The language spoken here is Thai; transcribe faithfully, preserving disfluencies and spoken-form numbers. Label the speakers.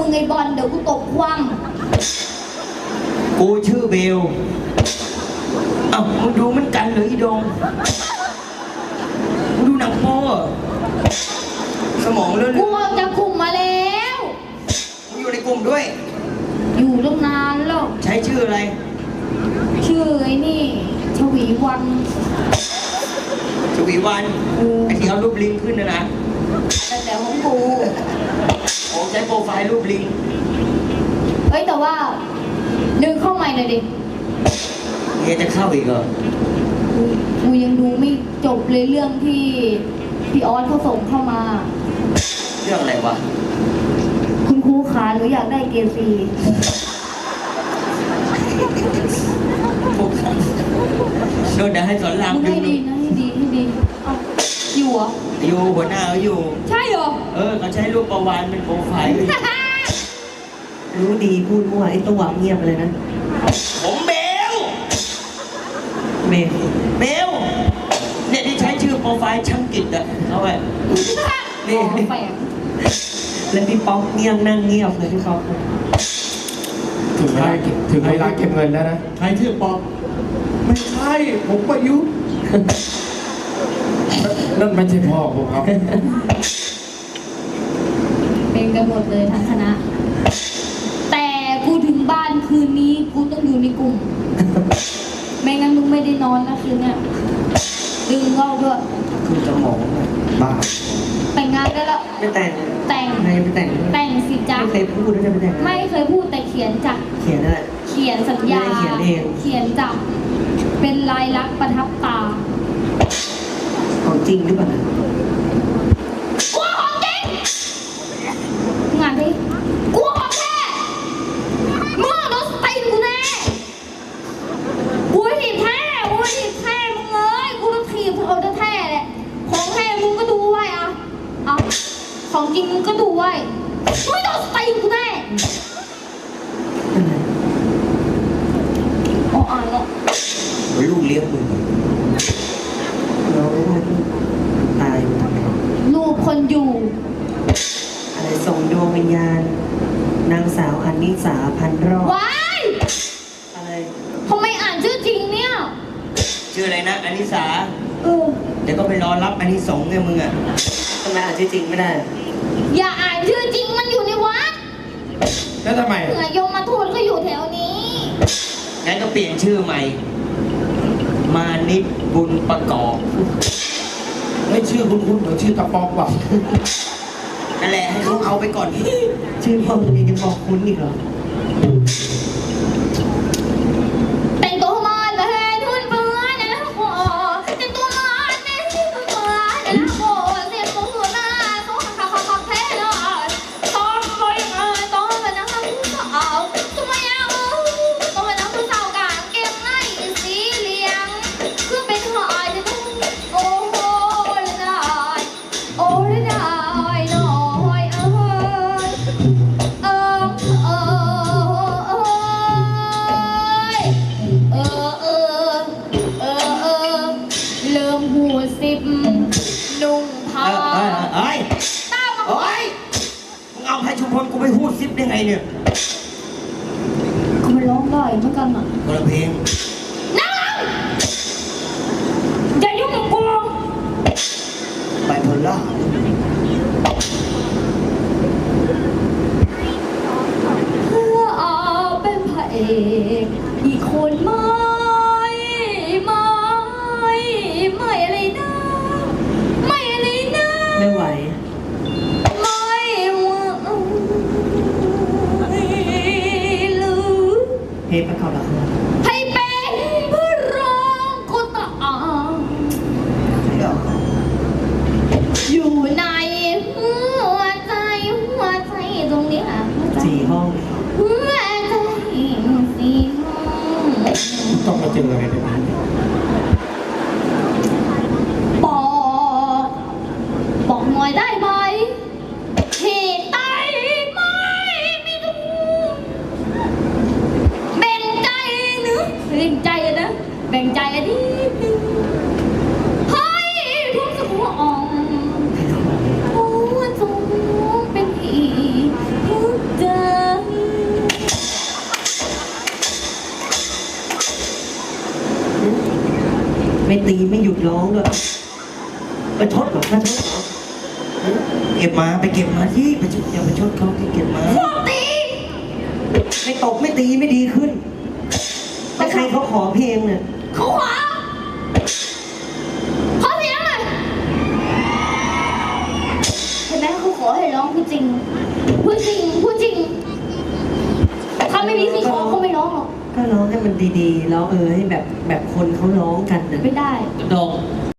Speaker 1: มึงไอ้บอลเดี๋ยวกูตบคว่
Speaker 2: ำกูชื่อเบลเอ้ามึงดูมันกันเหรออีดงมึงดูหนังโป๊สมองเลื่อน
Speaker 1: กูออกจากกลุ่มมาแล้ว
Speaker 2: มึงอยู่ในกลุ่มด้วย
Speaker 1: อยู่ตั้งนานแล้ว
Speaker 2: ใช้ชื่ออะไร
Speaker 1: ชื่อไอ้นี่ชวีวัน
Speaker 2: ชวีวันไอ้ที่เอารูปลิงขึ้นนะนะ
Speaker 1: แต่แต่ของกู
Speaker 2: โอ้ใช้โปรไฟล์รูปลิง
Speaker 1: เฮ้ยแต่ว่าดึงเข้าใหม่หน่อยดิ
Speaker 2: เฮียจะเข้าอีกเหรอ
Speaker 1: กูยังดูไม่จบเลยเรื่องที่พี่ออสเขาส่งเข้ามา
Speaker 2: เรื่องอะไรวะ
Speaker 1: คุณครูขาหนูอยากได้เกรดซี
Speaker 2: โดนเดี๋ยวให้สอนราม
Speaker 1: ให้ดีนะให้ดีให้ดีอยู่เหรอ
Speaker 2: อยู่หัวหน้าเขาอยู่
Speaker 1: ใช่เหรอ
Speaker 2: เออเขาใช้รูปประวานเป็นโปรไฟล์
Speaker 3: รู้ดีพูดมั่วไอ้ตัวเงียบเลยนะ
Speaker 2: ผมเบล
Speaker 3: เบล
Speaker 2: เบลเนี่ยที่ใช้ชื่อโปรไฟล์ช่างกิจอะเขาไว้
Speaker 1: นี่
Speaker 3: แล้วพี่ป๊อกเงียบนั่งเงียบเลยพี่ป๊อก
Speaker 4: ถึงเวลาถึงเวลาเก็บเงินแล้วนะ
Speaker 5: ใครชื่อป๊อกไม่ใช่ผมประยุทธ์
Speaker 4: นั่นไม่ใช่พ่อผมครับ
Speaker 1: เป็นกันหมดเลยทั้งคณะแต่กูถึงบ้านคืนนี้กูต้องอยู่ในกลุ่มไม่งั้นมึงไม่ได้นอนนะคืนเนี้ยดึงเข้าด้วย
Speaker 2: คือจะมองบ้า
Speaker 1: แต่งงานได้แล้ว
Speaker 3: ไม่แต่ง
Speaker 1: แต่ง
Speaker 3: ไม่ไม่แต่ง
Speaker 1: แต่งสิจ๊ะ
Speaker 3: ไม่เคยพูดด้วยไม่แต่ง
Speaker 1: ไม่เคยพูดแต่เขียนจ้ะ
Speaker 3: เขียนอะไร
Speaker 1: เขียนสัญญา
Speaker 3: เขียนเอง
Speaker 1: เขียนจับเป็นลายลักษณ์ประทับตา
Speaker 3: ของจริงหรือเปล่า
Speaker 1: กูของจริงงานดิกูของแท้มึงโดนสตีนกูแน่กูถีบแท้กูถีบแท้มึงเอ้ยกูต้องถีบเอาแท้แหละของแท้มึงก็ดูไว้อะเอาของจริงมึงก็ดูไว้ไม่โดนสตีนกูแน่อ๋ออ่านแล้ว
Speaker 2: ลูกเลี้ยงมึง
Speaker 3: เราไม่ได้ตาย
Speaker 1: ลูกคนอยู่
Speaker 3: อะไรส่งดวงวิญญาณนางสาวอนิสาพันรอด
Speaker 1: ว้าย
Speaker 3: อะไร
Speaker 1: ทำไมอ่านชื่อจริงเนี่ย
Speaker 2: ชื่ออะไรนะอนิสา
Speaker 1: เออ
Speaker 2: เดี๋ยวก็ไปรอรับอานิสงส์ไงมึงอ่ะ
Speaker 3: ทำไมอ่านชื่อจริงไม่ได้
Speaker 1: อย่าอ่านชื่อจริงมันอยู่ในวัด
Speaker 4: แล้วทำไม
Speaker 1: เผื่อยมมาทูตก็อยู่แถวนี้
Speaker 2: งั้นก็เปลี่ยนชื่อใหม่มานิดบุญประกอบ
Speaker 4: ไม่ชื่อคุณคุณเหมือนชื่อตะปอกว่ะ
Speaker 2: นั่นแหละให้เขาเอาไปก่อน
Speaker 3: ชื่อพ่อมึงยังบอกคุ้นอีกเหรอ
Speaker 1: แต่งตัวมาแต่ให้ทุนเบื่อนะนะโอ้แต่งตัวมาแต่ให้ทุนเบื่อนะนะโอ้เสียงมือหน้าต้องขับขับขับแท้เลยต้องไปเอ่ยต้องไปนั่งผู้สาวต้องมาเอาต้องไปนั่งผู้สาวกางเก็บในสีเหลืองคือเป็นหอยจะต้องโอ้โหละได้โอ้ละได้หน่อยเออเออเออเออเออเออเออเริ่มหูสิบนุ่งผ้า
Speaker 2: เอ้ยเอ้ยเอ้ยมึงเอาให้ชุมพลกูไปพูดซิปได้ไงเนี่ย
Speaker 1: เขาไม่ร้องได้เหมือนกันอ่ะ
Speaker 2: คนละเพลง
Speaker 1: นั่งอย่ายุ่งกับกู
Speaker 2: ไปพลล่า
Speaker 1: เพื่อเอาเป็นพระเอกอีกคนไม่ไม่ไม่อะไรนะไม่อะไรนะ
Speaker 3: ไม่ไหว
Speaker 1: ไม่ไหวหรือ
Speaker 3: เพลงประกอบละคร
Speaker 1: ให้เป็นเพื่อร้องก็ตามอยู่ในหัวใจหัวใจตรงนี้ค่ะ
Speaker 3: สี่ห้อง
Speaker 1: หัวใจสี่ห้อง
Speaker 4: ต้องมาเจออะไรแบบนี้
Speaker 1: บอกบอกหน่อยได้ไหมเหตุใดไม่มีดูแบ่งใจนึกแบ่งใจนะแบ่งใจอันนี้นึงให้ทุกสักหัวอ่องหัวจงเป็นอีกทุกใจ
Speaker 3: ตีไม่หยุดร้องด้วยประชดเหรอประชดเหรอ
Speaker 2: เก็บมาไปเก็บมาที่ไปชดอย่าไปชดเขาที่เก็บมา
Speaker 1: พวกตี
Speaker 3: ไม่ตบไม่ตีไม่ดีขึ้นแต่ใครเขาขอเพลงเนี่ย
Speaker 1: เขาขวาขอเสียงหน่อยเห็นไหมเขาขอให้ร้องพูดจริงพูดจริงพูดจริงถ้าไม่มีที่ขอเขาไม่ร้องหรอก
Speaker 3: ก็ร้องให้มันดีๆร้องเออให้แบบแบบคนเขาร้องกันนะ
Speaker 1: ไม่ได้
Speaker 2: ดง